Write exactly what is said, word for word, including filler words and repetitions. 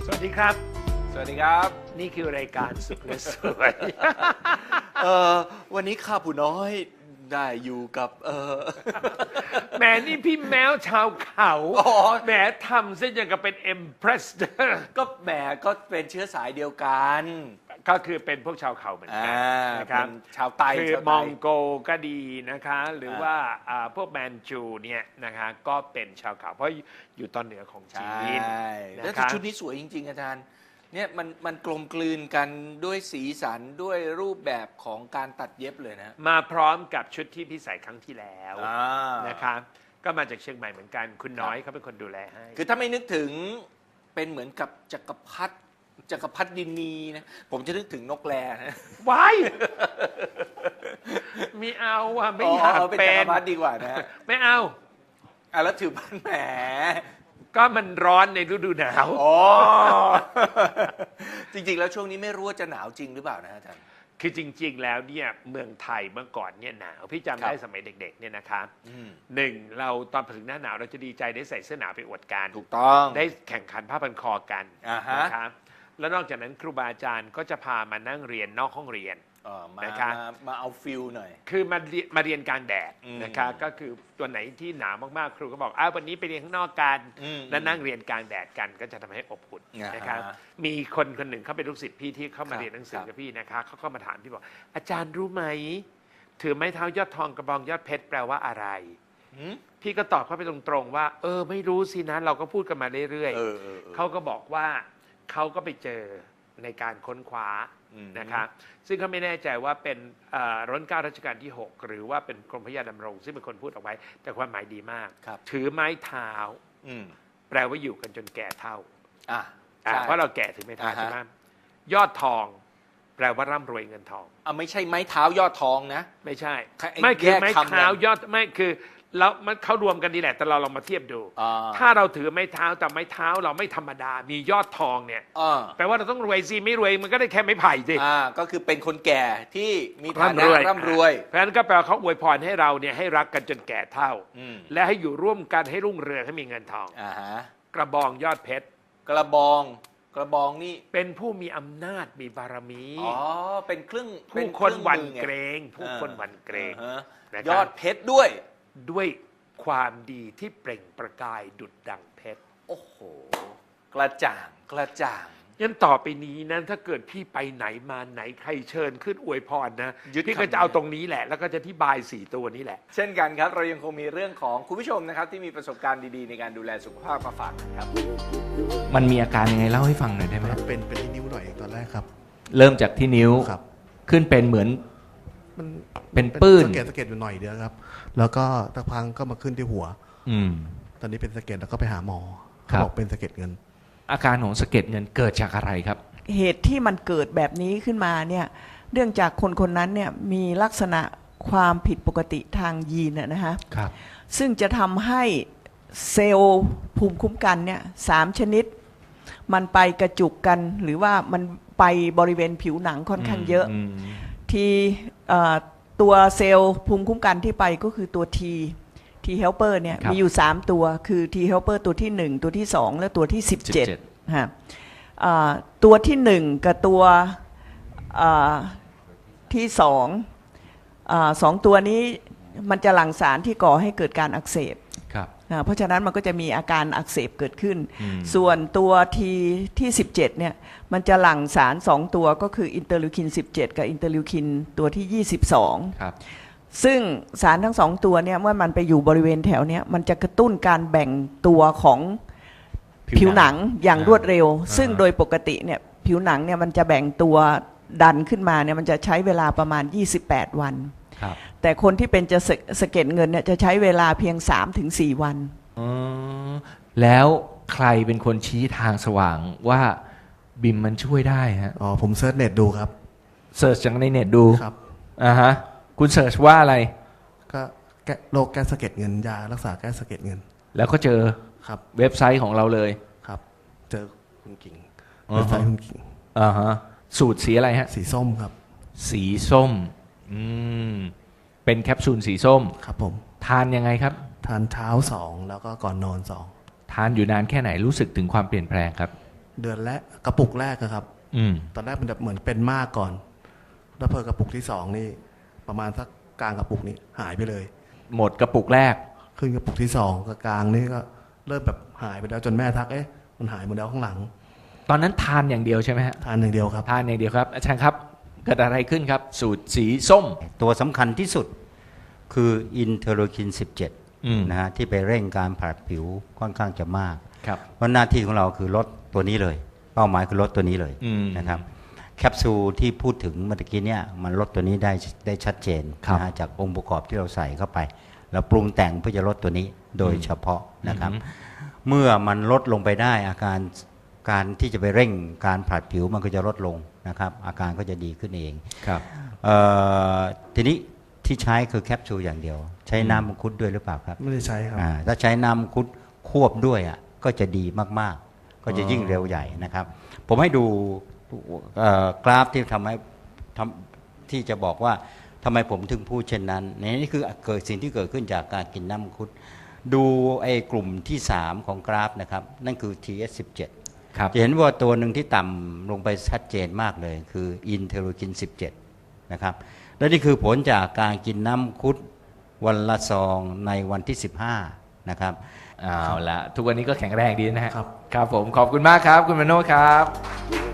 สวัสดีครับสวัสดีครับนี่คือรายการสุขและสวยเออวันนี้ข้าผู้น้อยได้อยู่กับเออแหมนี่พี่แมวชาวเขาอ๋อแหมทำเส้นอย่างกับเป็นเอ็มเพรสเดอร์ก็แหมก็เป็นเชื้อสายเดียวกันก็คือเป็นพวกชาวเขาเหมือนกันอ่านะครับเป็นชาวไต้คือชาวมไต้องโกก็ดีนะคะ หรือว่าอ่าพวกแมนจูเนี่ยนะคะก็เป็นชาวเขาเพราะอยู่ตอนเหนือของจีใช่นแล้วนะแต่คะชุดนี้สวยจริง ๆ อาจารย์เนี่ยมันมันกลมกลืนกันด้วยสีสันด้วยรูปแบบของการตัดเย็บเลยนะมาพร้อมกับชุดที่พี่ใส่ครั้งที่แล้วอ่านะคะก็มาจากเชียงใหม่เหมือนกันคุณน้อยเขาเป็นคนดูแลให้คือถ้าไม่นึกถึงเป็นเหมือนกับจักรพรรดิจักรพรรดินีนะผมจะนึกถึงนกแรนะว้ายไม่เอาอ่ะไม่อยากอ๋อเป็นเป็จักนรพรรดิดีกว่านะไม่เอาอ่ะแล้วถือบ้านแหมก็มันร้อนในฤดูหนาวอ๋อ จริงๆ แล้วช่วงนี้ไม่รู้ว่าจะหนาวจริงหรือเปล่านะอาจารย์คือจริง ๆ แล้วเนี่ยเมืองไทยเมื่อก่อนเนี่ยหนาวพี่จำได้ครับสมัยเด็กๆเนี่ยนะคะอืมหนึ่งเราตอนถึงหน้าหนาวเราจะดีใจได้ใส่เสื้อหนาวไปอวดกันถูกต้องได้แข่งขันผ้าพันคอกันอ่าฮะนะครับแล้วนอกจากนั้นครูบาอาจารย์ก็จะพามานั่งเรียนนอกห้องเรียนเออมานะคะมามาเอาฟิลหน่อยคือมาเรียนมาเรียนกลางแดดอืมนะคะก็คือตัวไหนที่หนาวมากๆ ครูก็บอกอ้าววันนี้ไปเรียนข้างนอกกันอืมแล้วนั่งเรียนกลางแดดกันก็จะทำให้อบอุ่นอ่าฮะนะครับมีคนคนหนึ่งเขาเป็นลูกศิษย์พี่ที่เข้าคมารับเรียนหนังสือครับกับพี่นะคะเขาก็มาถามพี่บอกอาจารย์รู้ไหมถือไม้เท้ายอดทองกระบองยอดเพชรแปลว่าอะไรหืมพี่ก็ตอบเขาไปตรงๆว่า เออไม่รู้สินะเราก็พูดกันมาเรื่อยเออเออออๆเขาก็บอกว่าเขาก็ไปเจอในการค้นคว้าอืมนะคะซึ่งเขาไม่แน่ใจว่าเป็นเอ่อรัชกาลรัชกาลที่ หก หรือว่าเป็นกรมพระยาดำรง ซึ่งเป็นคนพูดเอาไว้ แต่ความหมายดีมากครับถือไม้เท้าอืมแปลว่าอยู่กันจนแก่เท่าอ่ะอ่าใช่เพราะเราแก่ถึงไม้เท้าอ่าฮะใช่ไหมยอดทอง แปลว่าร่ำรวยเงินทองอ่ะไม่ใช่ไม้เท้ายอดทองนะไม่ใช่ไอ้ไม่คือแยกไม้คำเท้ากันยอดไม่คือแล้วมันเขารวมกันดีแหละแต่เราลองมาเทียบดูอ่าถ้าเราถือไม้เท้าแต่ไม้เท้าเราไม่ธรรมดา มียอดทองเนี่ยอ่าแปลว่าเราต้องรวยสิไม่รวยมันก็ได้แค่ไม้ไผ่สิอ่าก็คือเป็นคนแก่ที่มีฐานะร่ำรวยร่ำรวยเพราะฉะนั้นก็แปลว่าเขาอวยพรให้เราเนี่ยให้รักกันจนแก่เท่าอืมและให้อยู่ร่วมกันให้รุ่งเรืองให้มีเงินทองอ่าฮะกระบองยอดเพชรกระบองกระบองนี่เป็นผู้มีอำนาจมีบารมีอ๋อเป็นเครื่องเป็ผู้คนเครื่องหวั่นมือไงเกรง ผู้คนหวั่นเกรงอ่าฮะนะครับยอดเพชรด้วยด้วยความดีที่เปล่งประกายดุจดังเพชรโอ้โห กระจ่างกระจ่างยันต่อไปนี้นั้นถ้าเกิดพี่ไปไหนมาไหนใครเชิญขึ้นอวยพรนะยึดพี่ก็คำนี้จะเอาตรงนี้แหละ แล้วก็จะที่บายสี่ตัวนี้แหละเช่นกันครับ เรายังคงมีเรื่องของคุณผู้ชมนะครับ ที่มีประสบการณ์ดีๆ ในการดูแลสุขภาพมาฝากกันครับมันมีอาการยังไงเล่าให้ฟังหน่อยได้ไหมเป็นเป็นที่นิ้วหน่อยตอนแรกครับเริ่มจากที่นิ้วครับขึ้นเป็นเหมือนมันเป็นปื้นสะเก็ดสะเก็ดอยู่หน่อยเดียวครับ แล้วก็ตะพังก็มาขึ้นที่หัวอืมตอนนี้เป็นสะเก็ดแล้วก็ไปหาหมอครัเขาบบอกเป็นสะเก็ดเงินอาการของสะเก็ดเงินเกิดจากอะไรครับเหตุที่มันเกิดแบบนี้ขึ้นมาเนี่ยเนื่องจากคนคนนั้นเนี่ยมีลักษณะความผิดปกติทางยีนนะฮะครับซึ่งจะทำให้เซลล์ภูมิคุ้มกันเนี่ยสามชนิด มันไปกระจุกกันหรือว่ามันไปบริเวณผิวหนังค่อนข้างเยอะมทีเอ่อตัวเซลล์ภูมิคุ้มกันที่ไปก็คือตัว T T helper เนี่ยมีอยู่สามตัวคือ T helper ตัวที่หนึ่งตัวที่สองและตัวที่สิบเจ็ด ฮะอ่าตัวที่หนึ่งกับตัวอ่าที่สองอาสองตัวนี้มันจะหลั่งสารที่ก่อให้เกิดการอักเสบครับอ่าเพราะฉะนั้นมันก็จะมีอาการอักเสบเกิดขึ้นอืมส่วนตัวทีที่สิบเจ็ดเนี่ยมันจะหลั่งสารสองตัวก็คืออินเตอร์ลิวคินสิบเจ็ดกับอินเตอร์ลิวคินตัวที่ยี่สิบสองครับซึ่งสารทั้งสองตัวเนี่ยเมื่อมันไปอยู่บริเวณแถวเนี้ยมันจะกระตุ้นการแบ่งตัวของผิวหนังอย่างรวดเร็วอ่าซึ่งโดยปกติเนี่ยผิวหนังเนี่ยมันจะแบ่งตัวดันขึ้นมาเนี่ยมันจะใช้เวลาประมาณยี่สิบแปดวันครับแต่คนที่เป็นจะสะสะเก็ดเงินเนี่ยจะใช้เวลาเพียง สามถึงสี่ วันอ๋อแล้วใครเป็นคนชี้ทางสว่างว่าบิมมันช่วยได้ฮะอ๋อ ผมเซิร์ชเน็ตดูครับเสิร์ชจากในเน็ตดูครับอ่าฮะ คุณเสิร์ชว่าอะไรก็แก้โรคแก้สะเก็ดเงินยารักษาแก้สะเก็ดเงินแล้วก็เจอครับเว็บไซต์ของเราเลยครับ เจอคุณกิ่งอ๋อเว็บไซต์คุณกิ่งอ่าฮะ สูตรสีอะไรฮะสีส้มครับสีส้ม อืม เป็นแคปซูลสีส้มครับผมทานยังไงครับทานเช้าสองแล้วก็ก่อนนอนสองทานอยู่นานแค่ไหนรู้สึกถึงความเปลี่ยนแปลงครับเดือนแรกกระปุกแรกอะครับอืมตอนแรกมันแบบเหมือนเป็นมากก่อน แล้วเพอกระปุกที่สองนี่ประมาณสักกลางกระปุกนี้หายไปเลยหมดกระปุกแรกขึ้นกระปุกที่สองกับกลางนี่ก็เริ่มแบบหายไปแล้วจนแม่ทักเอ๊ะมันหายหมดแล้วข้างหลังตอนนั้นทานอย่างเดียวใช่ไหมฮะทานอย่างเดียวครับทานอย่างเดียวครับ อาจารย์ครับเกิดอะไรขึ้นครับ สูตรสีส้มตัวสำคัญที่สุดคืออินเทอร์โลคิน สิบเจ็ดอืมนะฮะที่ไปเร่งการผลัดผิวค่อนข้างจะมากครับเพราะหน้าที่ของเราคือลดตัวนี้เลย เป้าหมายคือลดตัวนี้เลยอืมนะครับแคปซูลที่พูดถึงเมื่อกี้เนี่ยมันลดตัวนี้ได้ได้ชัดเจนครับนะฮะจากองค์ประกอบที่เราใส่เข้าไป แล้วปรุงแต่งเพื่อจะลดตัวนี้โดยเฉพาะนะครับอืมเมื่อมันลดลงไปได้อาการการที่จะไปเร่งการผลัดผิวมันก็จะลดลงนะครับอาการก็จะดีขึ้นเองครับเอ่อทีนี้ที่ใช้คือแคปซูลอย่างเดียว ใช้น้ำมังคุดด้วยหรือเปล่าครับไม่ได้ใช้ครับอ่าถ้าใช้น้ำมังคุดควบด้วยอ่ะก็จะดีมากๆ ก็จะยิ่งเร็วใหญ่นะครับ ผมให้ดูเอ่อกราฟที่ทำให้ทำที่จะบอกว่าทำไมผมถึงพูดเช่นนั้นนี่คือเกิดสิ่งที่เกิดขึ้นจากการกินน้ำมังคุดดูไอ้กลุ่มที่สามของกราฟนะครับนั่นคือ ที เอส สิบเจ็ดครับจะเห็นว่าตัวหนึ่งที่ต่ำลงไปชัดเจนมากเลยคืออินเทอร์โลคิน สิบเจ็ด นะครับและนี่คือผลจากการกินน้ำมังคุดวันละซองในวันที่ สิบห้า นะครับเอาละทุกวันนี้ก็แข็งแรงดีนะฮะครับครับผมขอบคุณมากครับ คุณมโนครับ